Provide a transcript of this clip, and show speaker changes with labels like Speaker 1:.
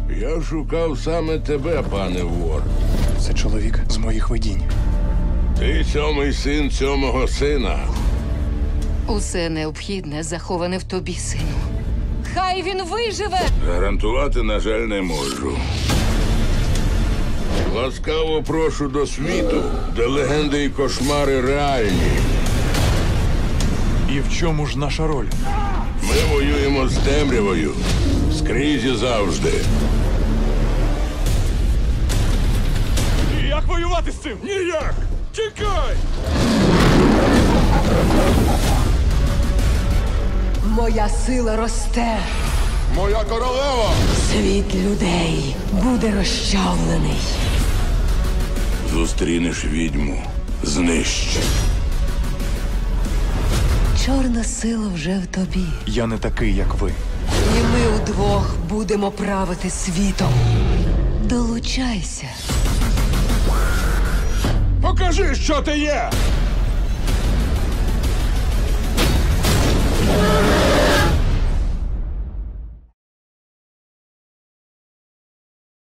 Speaker 1: Я шукав саме тебе, пане вор.
Speaker 2: Це чоловік з моїх видінь.
Speaker 1: Ти сьомий син сьомого сина.
Speaker 3: Усе необхідне заховане в тобі, сину. Хай він виживе!
Speaker 1: Гарантувати, на жаль, не можу. Ласкаво прошу до світу, де легенди і кошмари реальні.
Speaker 2: І в чому ж наша роль?
Speaker 1: Ми воюємо з темрявою. Скрізь і завжди.
Speaker 2: Як воювати з цим?
Speaker 1: Ніяк! Тікай!
Speaker 4: Моя сила росте.
Speaker 1: Моя королева!
Speaker 4: Світ людей буде розчавлений.
Speaker 1: Зустрінеш відьму. Знищ.
Speaker 4: Чорна сила вже в тобі.
Speaker 2: Я не такий, як ви.
Speaker 4: І ми удвох будемо правити світом. Долучайся.
Speaker 1: Покажи, що ти є!